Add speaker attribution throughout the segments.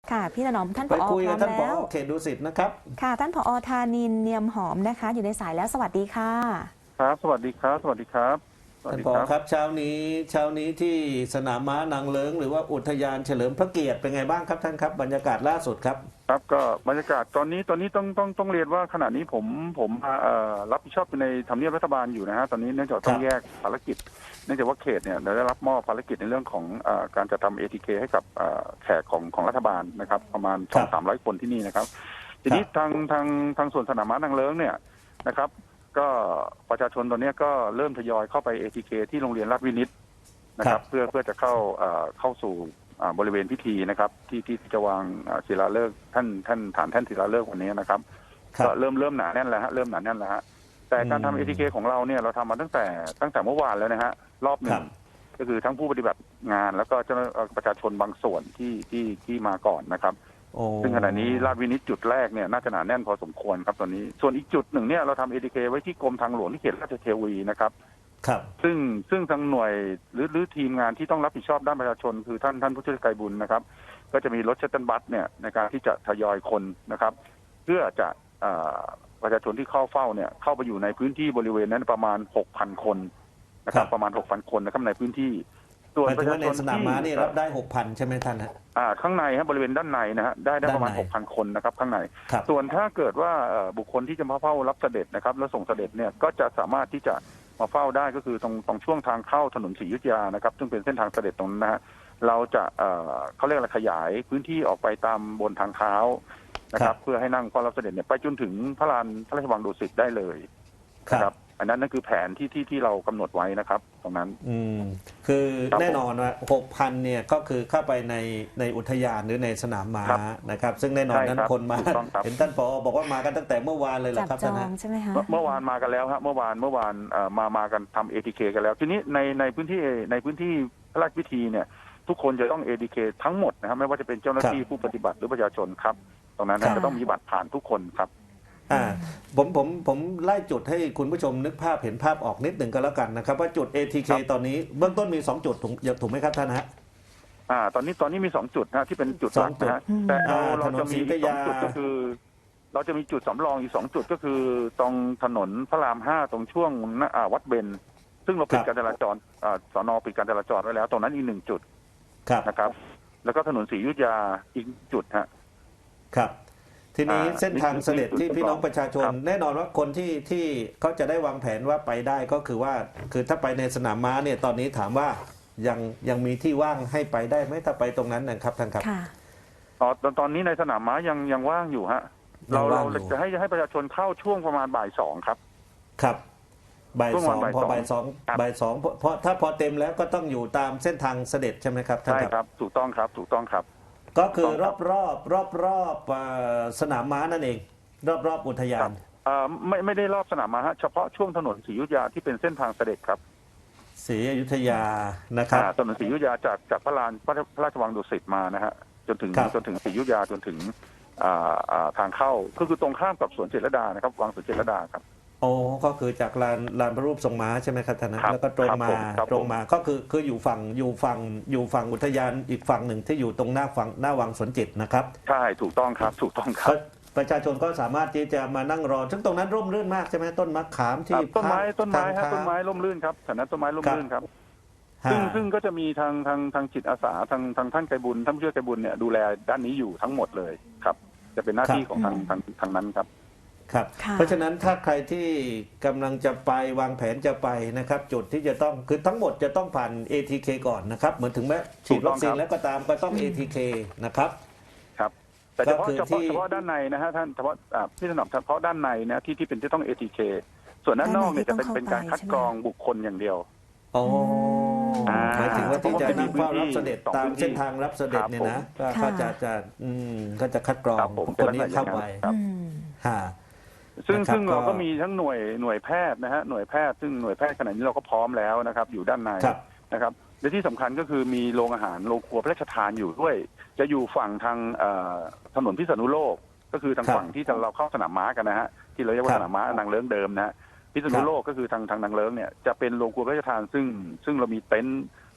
Speaker 1: ค่ะพี่ถนอมท่านผ
Speaker 2: ไป
Speaker 1: อ
Speaker 2: คุย
Speaker 1: พร้อม
Speaker 2: กับท่านผอ
Speaker 1: แล้ว
Speaker 2: เขตดุสิตนะครับ
Speaker 1: ค่ะท่านผอธานินทร์เนียมหอมนะคะอยู่ในสายแล้วสวัสดีค่ะ
Speaker 3: ครับสวัสดีครับสวัสดีครับสวัส
Speaker 2: ท่าน
Speaker 3: ดีครับ
Speaker 2: ผอครับเช้านี้ที่สนามม้านางเลิ้งหรือว่าอุทยานเฉลิมพระเกียรติเป็นไงบ้างครับท่านครับบรรยากาศล่าสุดครับ
Speaker 3: ครับก็บรรยากาศตอนนี้ต้องเรียนว่าขณะนี้ผมรับผิดชอบอยู่ในทำเนียบรัฐบาลอยู่นะฮะตอนนี้เนื่องจากต้องแยกภารกิจเนื่องจากว่าเขตเนี่ยได้รับมอบภารกิจในเรื่องของการจะทำ ATK ให้กับแขกของรัฐบาลนะครับประมาณ200-300 คนที่นี่นะครับทีนี้ทางส่วนสนามม้านางเลิ้งเนี่ยนะครับก็ประชาชนตอนนี้ก็เริ่มทยอยเข้าไป ATK ที่โรงเรียนราชวินิตนะครับเพื่อจะเข้าสู่บริเวณพิธีนะครับที่จะวางศิลาฤกษ์ท่านฐานแท่นศิลาฤกษ์วันนี้นะครับก็เริ่มหนาแน่นแล้วฮะเริ่มหนาแน่นแล้วฮะแต่การทำ ATK ของเราเนี่ยเราทำมาตั้งแต่เมื่อวานแล้วนะฮะรอบหนึ่งก็คือทั้งผู้ปฏิบัติงานแล้วก็เจ้าประชาชนบางส่วนที่มาก่อนนะครับซึ่งขณะนี้ราชวินิตจุดแรกเนี่ยน่าจะหนาแน่นพอสมควรครับตอนนี้ส่วนอีกจุดหนึ่งเนี่ยเราทำ ATK ไว้ที่กรมทางหลวงที่เขตราชเทวีนะครับซึ่งทางหน่วยหรือทีมงานที่ต้องรับผิดชอบด้านประชาชนคือท่านผู้ช่วยไกรบุญนะครับก็จะมีรถชัตเติลบัสเนี่ยในการที่จะทยอยคนนะครับเพื่อจะประชาชนที่เข้าเฝ้าเนี่ยเข้าไปอยู่ในพื้นที่บริเวณนั้นประมาณ 6,000 คนนะครับประมาณ 6,000 คนนะครับในพื้นที่
Speaker 2: ส่วนประชาชนในสนามม้านี่รับได้ 6,000 ใช่ไหมท่านฮะ
Speaker 3: ข้างในบริเวณด้านในนะฮะได้ประมาณ 6,000 คนนะครับข้างในส่วนถ้าเกิดว่าบุคคลที่จะมาเฝ้ารับเสด็จนะครับแล้วส่งเสด็จเนี่ยก็จะสามารถที่จะมาเฝ้าได้ก็คือตรงช่วงทางเข้าถนนศรีอยุธยานะครับซึ่งเป็นเส้นทางเสด็จตรงนั้นนะฮะเราจะเขาเรียกอะไรขยายพื้นที่ออกไปตามบนทางเท้านะครับเพื่อให้นั่งเฝ้ารับเสด็จเนี่ยไปจนถึงพระลานพระราชวังดุสิตได้เลยนะครับอันนั้นคือแผนที่เรากำหนดไว้นะครับตรงนั้น
Speaker 2: คือแน่นอนว่า 6,000 เนี่ยก็คือเข้าไปในอุทยานหรือในสนามม้านะครับซึ่งแน่นอนนั้นคนมาเห็นท่านผอบอกว่ามากันตั้งแต่เมื่อวานเลยเหรอครับ
Speaker 1: ท่านนะใช่ไหมคะ
Speaker 3: เมื่อวานมากันแล้วครับเมื่อวานมากันทำ ATK กันแล้วทีนี้ในพื้นที่พระราชพิธีเนี่ยทุกคนจะต้อง ATK ทั้งหมดนะครับไม่ว่าจะเป็นเจ้าหน้าที่ผู้ปฏิบัติหรือประชาชนครับตรงนั้นจะต้องมีบัตรผ่านทุกคนครับ
Speaker 2: ผมไล่จุดให้คุณผู้ชมนึกภาพเห็นภาพออกนิดหนึ่งก็แล้วกันนะครับว่าจุด ATK ตอนนี้เบื้องต้นมี2จุดถูกไหมครับท่านฮะ
Speaker 3: ตอนนี้มี2จุดนะที่เป็นจุดหลักนะแต่เราจะมี2จุดก็คือเราจะมีจุดสำรองอีก2จุดก็คือตรงถนนพระราม5ตรงช่วงวัดเบญซึ่งเราปิดการจราจรสน.ปิดการจราจรไว้แล้วตรงนั้นอีก1จุดนะครับแล้วก็ถนนศรีอยุธยาอีกจุดฮะ
Speaker 2: ครับทีนี้เส้นทางเสด็จที่พี่น้องประชาชนแน่นอนว่าคนที่เขาจะได้วางแผนว่าไปได้ก็คือว่าคือถ้าไปในสนามม้าเนี่ยตอนนี้ถามว่ายังมีที่ว่างให้ไปได้ไหมถ้าไปตรงนั้นนะครับท่านครับ
Speaker 3: ตอนนี้ในสนามม้ายังว่างอยู่ฮะเราจะให้ประชาชนเข้าช่วงประมาณบ่าย 2ครับ
Speaker 2: ครับบ่าย 2พอบ่าย 2เพราะถ้าพอเต็มแล้วก็ต้องอยู่ตามเส้นทางเสด็จใช่ไหมครับท่านครับ
Speaker 3: ใช่ครับถูกต้องครับ
Speaker 2: ก็คือรอบสนามม้านั่นเองรอบอุทยาน
Speaker 3: ไม่ได้รอบสนามม้าฮะเฉพาะช่วงถนนศรีอยุธยาที่เป็นเส้นทางเสด็จครับ
Speaker 2: ศรีอยุธยานะครับ
Speaker 3: ถนนศรีอยุธยาจากพระลานพระราชวังดุสิตมานะฮะจนถึงศรีอยุธยาจนถึงทางเข้าคือตรงข้ามกับสวนเจษฎานะครับวังสวนเจษฎาครับ
Speaker 2: โอ้ก็คือจากลานพระรูปทรงม้าใช่ไหมครับท่านแล้วก็ตรงมาก็คืออยู่ฝั่งอุทยานอีกฝั่งหนึ่งที่อยู่ตรงหน้าวังสวนจิตนะครับ
Speaker 3: ใช่ถูกต้องครับ
Speaker 2: ประชาชนก็สามารถที่จะมานั่งรอซึ่งตรงนั้นร่มรื่นมากใช่ไหมต้นมะขามที่
Speaker 3: ต้นไม้ร่มรื่นครับฐานะต้นไม้ร่มรื่นครับซึ่งก็จะมีทางจิตอาสาทางท่านไกรบุญท่านผู้ช่วยไกรบุญเนี่ยดูแลด้านนี้อยู่ทั้งหมดเลยครับจะเป็นหน้าที่ของทางนั้นครับ
Speaker 2: ครับเพราะฉะนั้นถ้าใครที่กำลังจะไปวางแผนจะไปนะครับจุดที่จะต้องคือทั้งหมดจะต้องผ่าน ATK ก่อนนะครับเหมือนถึงแม้ฉีดวัคซีนแล้วก็ตามก็ต้อง ATK นะครับ
Speaker 3: ครับแต่เฉพาะด้านในนะฮะท่านเฉพาะพี่ถนอมเฉพาะด้านในนะที่เป็นที่ต้อง ATK ส่วนด้านนอกเนี่ยจะเป็นการคัดกรองบุคคลอย่างเดียว
Speaker 2: หมายถึงว่าที่จะนั่งเฝ้ารับเสด็จตามเส้นทางรับเสด็จเนี่ยนะก็จะคัดกรองคนนี้เข้าไป
Speaker 3: ซึ่งเราก็มีทั้งหน่วยแพทย์นะฮะหน่วยแพทย์ซึ่งหน่วยแพทย์ขณะนี้เราก็พร้อมแล้วนะครับอยู่ด้านในนะครับและที่สำคัญก็คือมีโรงอาหารโรงครัวพระราชทานอยู่ด้วยจะอยู่ฝั่งทางถนนพิษณุโลกก็คือทางฝั่งที่เราเข้าสนามม้ากันนะฮะที่เราเรียกว่าสนามม้านางเลิ้งเดิมนะฮะพิษณุโลกก็คือทางนางเลิ้งเนี่ยจะเป็นโรงครัวพระราชทานซึ่งเรามีเต็นท์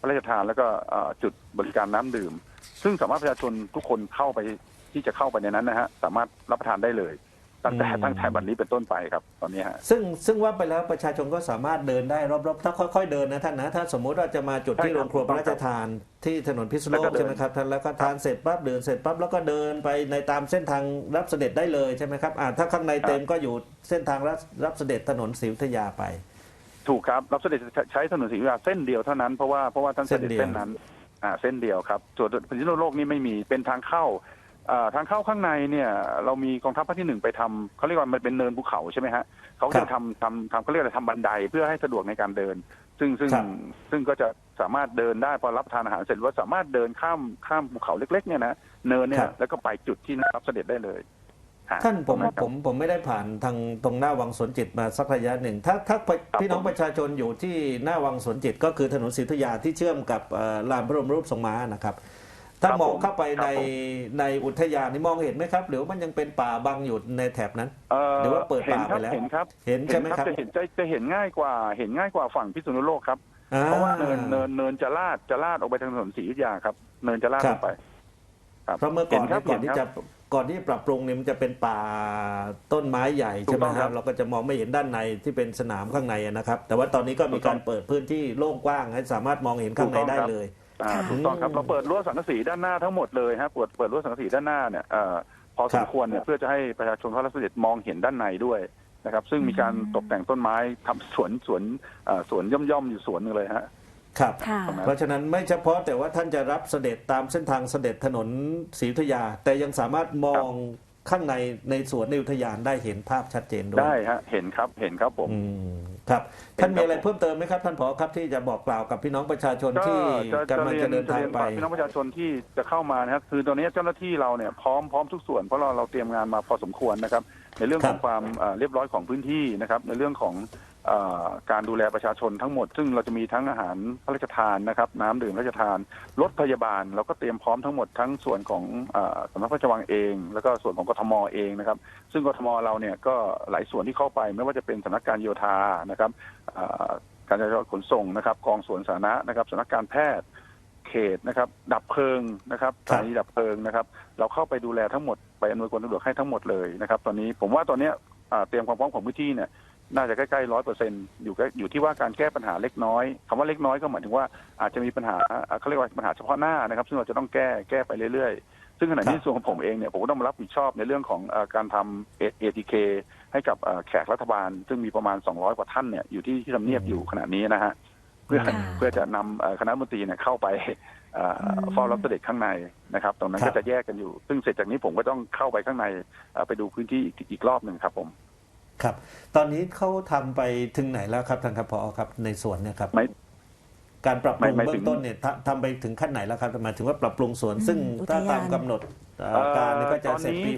Speaker 3: พระราชทานแล้วก็จุดบริการน้ำดื่ม ซึ่งสามารถประชาชนทุกคนเข้าไปที่จะเข้าไปในนั้นนะฮะสามารถรับประทานได้เลยตั้งแต่วันนี้เป็นต้นไปครับตอนนี้ฮะ
Speaker 2: ซึ่งว่าไปแล้วประชาชนก็สามารถเดินได้รอบๆถ้าค่อยๆเดินนะท่านนะถ้าสมมุติว่าจะมาจุดที่โรงครัวพระราชทานที่ถนนพิษณุโลกใช่ไหมครับท่านแล้วก็ทานเสร็จปั๊บเดินเสร็จปั๊บแล้วก็เดินไปในตามเส้นทางรับเสด็จได้เลยใช่ไหมครับถ้าข้างในเต็มก็อยู่เส้นทางรับเสด็จถนนศรีอยุธยาไป
Speaker 3: ถูกครับรับเสด็จใช้ถนนศรีอยุธยาเส้นเดียวเท่านั้นเพราะว่าท่านเสด็จเส้นนั้นเส้นเดียวครับส่วนพิษณุโลกนี่ไม่มีเป็นทางเข้าข้างในเนี่ยเรามีกองทัพภาคที่ 1ไปทำเขาเรียกว่ามันเป็นเนินภูเขาใช่ไหมฮะเขาจะทำเขาเรียกอะไรทำบันไดเพื่อให้สะดวกในการเดินซึ่งก็จะสามารถเดินได้พอรับประทานอาหารเสร็จว่าสามารถเดินข้ามภูเขาเล็กๆเนี่ยนะเนินเนี่ยแล้วก็ไปจุดที่รับเสด็จได้เลย
Speaker 2: ท่านผมไม่ได้ผ่านทางตรงหน้าวังสวนจิตมาสักระยะหนึ่งถ้าพี่น้องประชาชนอยู่ที่หน้าวังสวนจิตก็คือถนนศรีอยุธยาที่เชื่อมกับลานพระบรมรูปทรงม้านะครับถ้ามองเข้าไปในอุทยานนี่มองเห็นไหมครับหรือมันยังเป็นป่าบังอยู่ในแถบนั้นหรือว่าเปิดป่าไปแล้ว
Speaker 3: เห็นครับ
Speaker 2: เห็นใช่ไหมครับ
Speaker 3: จะเห็นง่ายกว่าฝั่งพิษณุโลกครับเพราะว่าเนินจะลาดออกไปทางถนนศรีอยุธยาครับเนินจะลาดลงไป
Speaker 2: เพราะเมื่อก่อนก่อนที่จะปรับปรุงเนี่ยมันจะเป็นป่าต้นไม้ใหญ่ใช่ไหมครับเราก็จะมองไม่เห็นด้านในที่เป็นสนามข้างในนะครับแต่ว่าตอนนี้ก็มีการเปิดพื้นที่โล่งกว้างให้สามารถมองเห็นข้างในได้เลย
Speaker 3: ถูกต้องครับเราเปิดรั้วสังกะสีด้านหน้าทั้งหมดเลยฮะเปิดรั้วสังกะสีด้านหน้าเนี่ยพอสมควรเนี่ยเพื่อจะให้ประชาชนเข้ารับเสด็จมองเห็นด้านในด้วยนะครับซึ่งมีการตกแต่งต้นไม้ทำสวนย่อมอยู่สวนนึงเลยฮะ
Speaker 2: ครับเพราะฉะนั้นไม่เฉพาะแต่ว่าท่านจะรับเสด็จตามเส้นทางเสด็จถนนศรีอยุธยาแต่ยังสามารถมองข้างในสวนในอุทยานได้เห็นภาพชัดเจนด้วย
Speaker 3: ได้ฮะเห็นครับผม
Speaker 2: ครับท่านมีอะไรเพิ่มเติมไหมครับท่านผอครับที่จะบอกกล่าวกับพี่น้องประชาชนที่กำลังจะเดินทางไป
Speaker 3: พี่น้องประชาชนที่จะเข้ามานะครับคือตอนนี้เจ้าหน้าที่เราเนี่ยพร้อมทุกส่วนเพราะเราเตรียมงานมาพอสมควรนะครับในเรื่องของความเรียบร้อยของพื้นที่นะครับในเรื่องของการดูแลประชาชนทั้งหมดซึ่งเราจะมีทั้งอาหารพระราชทานนะครับน้ำดื่มพระราชทานรถพยาบาลเราก็เตรียมพร้อมทั้งหมดทั้งส่วนของสำนักพระราชวังเองแล้วก็ส่วนของกทมเองนะครับซึ่งกทมเราเนี่ยก็หลายส่วนที่เข้าไปไม่ว่าจะเป็นสำนักการโยธานะครับการจราจรขนส่งนะครับกองสวนสาธารณะนะครับสำนักการแพทย์เขตนะครับดับเพลิงนะครับสถานีดับเพลิงนะครับเราเข้าไปดูแลทั้งหมดไปอำนวยความสะดวกให้ทั้งหมดเลยนะครับตอนนี้ผมว่าตอนนี้เตรียมความพร้อมของพื้นที่เนี่ยน่าจะใกล้ๆ100%อยู่ที่ว่าการแก้ปัญหาเล็กน้อยคำว่าเล็กน้อยก็หมายถึงว่าอาจจะมีปัญหาเขาเรียกว่าปัญหาเฉพาะหน้านะครับซึ่งเราจะต้องแก้ไปเรื่อยๆซึ่งขณะนี้ส่วนของผมเองเนี่ยผมก็ต้องมารับผิดชอบในเรื่องของการทำ ATK ให้กับแขกรัฐบาลซึ่งมีประมาณ200กว่าท่านเนี่ยอยู่ที่ทำเนียบอยู่ขณะนี้นะฮะเพื่อจะนำคณะมนตรีเนี่ยเข้าไปเฝ้ารับเสด็จข้างในนะครับตรงนั้นก็จะแยกกันอยู่ซึ่งเสร็จจากนี้ผมก็ต้องเข้าไปข้างในไปดูพื้นที่อีกรอบหนึ่งครับผม
Speaker 2: ครับตอนนี้เขาทำไปถึงไหนแล้วครับท่านครับผอครับในสวนเนี่ยครับการปรับปรุงเบื้องต้นเนี่ยทำไปถึงขั้นไหนแล้วครับหมายถึงว่าปรับปรุงสวนซึ่งถ้าตามกำหนดการก็จะเสร็จปี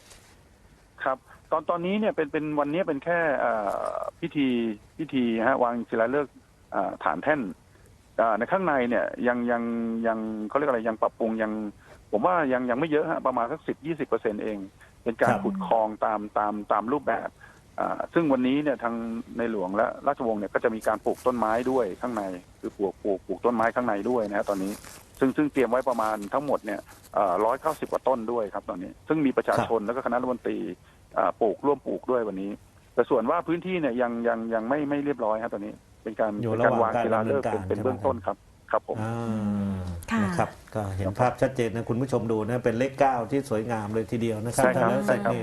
Speaker 2: 67
Speaker 3: ครับตอนนี้เนี่ยเป็นวันนี้เป็นแค่พิธีฮะวางศิลาฤกษ์ฐานแท่นในข้างในเนี่ยยังเขาเรียกอะไรยังปรับปรุงผมว่ายังไม่เยอะฮะประมาณสัก10-20%เองเป็นการขุดคลองตามรูปแบบซึ่งวันนี้เนี่ยทางในหลวงและราชวงศ์เนี่ยก็จะมีการปลูกต้นไม้ด้วยข้างในคือปลูกต้นไม้ข้างในด้วยนะตอนนี้ซึ่งเตรียมไว้ประมาณทั้งหมดเนี่ย190กว่าต้นด้วยครับตอนนี้ซึ่งมีประชาชนแล้วก็คณะรัฐมนตรีร่วมปลูกด้วยวันนี้แต่ส่วนว่าพื้นที่เนี่ยยังไม่เรียบร้อยครับตอนนี้เป็นการวางศิลาฤกษ์เป็นเบื้องต้นครับผม
Speaker 2: นะครับก็เห็นภาพชัดเจนนะคุณผู้ชมดูนะเป็นเลข9ที่สวยงามเลยทีเดียวนะครับท่านเสร็จนี่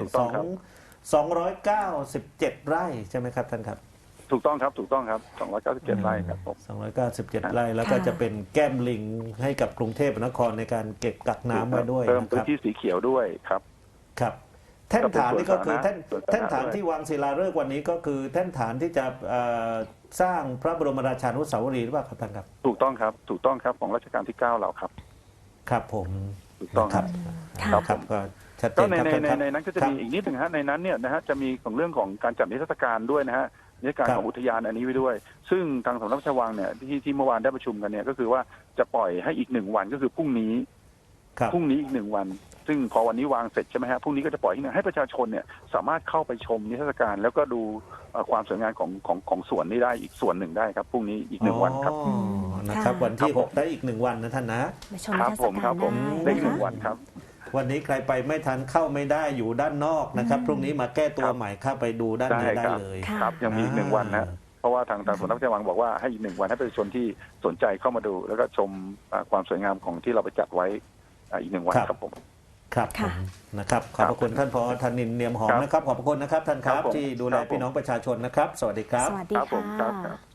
Speaker 2: 297 ไร่ใช่ไหมครับท่านครับ
Speaker 3: ถูกต้องครับ297 ไร่ครับผม
Speaker 2: 297 ไร่แล้วก็จะเป็นแก้มลิงให้กับกรุงเทพมหานครในการเก็บกักน้ำไว้ด้วย
Speaker 3: เพิ่มพื้นที่สีเขียวด้วยครับ
Speaker 2: แท่นฐานนี่ก็คือแท่นฐานที่วางศิลาฤกษ์วันนี้ก็คือแท่นฐานที่จะสร้างพระบรมราชานุสาวรีย์หรือเปล่าครับท่านครับ
Speaker 3: ถูกต้องครับของรัชกาลที่9เราครับ
Speaker 2: ครับผม
Speaker 3: ถูกต้องครับ
Speaker 2: ก็ชัดเจน
Speaker 3: ครับในนั้นก็จะมีอีกนิดหนึ่งฮะในนั้นเนี่ยนะฮะจะมีของเรื่องของการจัดนิทรรศการด้วยนะฮะนิทรรศการของอุทยานอันนี้ไว้ด้วยซึ่งทางสำนักพระราชวังเนี่ยที่เมื่อวานได้ประชุมกันเนี่ยก็คือว่าจะปล่อยให้อีก1วันก็คือพรุ่งนี้อีก1วันซึ่งพอวันนี้วางเสร็จใช่ไหมฮะพรุ่งนี้ก็จะปล่อยให้ประชาชนเนี่ยสามารถเข้าไปชมนิทรรศการแล้วก็ดูความสวยงามของสวนนี้ได้อีกส่วนหนึ่งได้ครับพรุ่งนี้อีก1วันครับ
Speaker 2: นะครับ
Speaker 1: ค่ะ
Speaker 2: วันที่
Speaker 3: ครับผม
Speaker 2: 6 ได้อีก 1 วันนะท่านนะ
Speaker 1: มาชม
Speaker 3: ค
Speaker 1: นิ
Speaker 3: รับ
Speaker 1: ทรรศ
Speaker 3: ผม
Speaker 1: กา
Speaker 3: ครั
Speaker 1: ร
Speaker 3: บผม
Speaker 1: ได้
Speaker 3: ได้
Speaker 1: นะ
Speaker 3: หนึ่ง
Speaker 1: คะ
Speaker 3: วันครับ
Speaker 2: วันนี้ใครไปไม่ทันเข้าไม่ได้อยู่ด้านนอกนะครับ พรุ่งนี้มาแก้ตัว
Speaker 3: ครับ
Speaker 2: ใหม่เข้าไปดูด้านใน
Speaker 3: ได้
Speaker 2: ได้
Speaker 3: ครับ
Speaker 2: เลย
Speaker 1: ค่ะ
Speaker 3: ครับยังมีอีกหนึ่งวันนะเพราะว่าทางสำนักพระราชวังบอกว่าให้อีกหนึ่งวันให้ประชาชนที่สนใจเข้ามาดู แล้วก็ชมความสวยงามของที่เราไปจัดไว้อีกหนึ่งวัน
Speaker 2: ครับ
Speaker 3: ครับผม
Speaker 2: ครับผ
Speaker 1: ค่ะ
Speaker 2: มนะครับขอบพระคุณท่านผอ.ธนินทร์เนียมหอม
Speaker 3: ครับ
Speaker 2: นะครับขอบพระคุณนะครับท่านครับ
Speaker 3: ครับผม
Speaker 2: ที่ดูแล
Speaker 3: ครับผม
Speaker 2: พี่น้องประชาชนนะครับ สวัสดีครับ
Speaker 1: สวัสดี
Speaker 3: ครับผม
Speaker 1: ค่ะ
Speaker 3: ครับ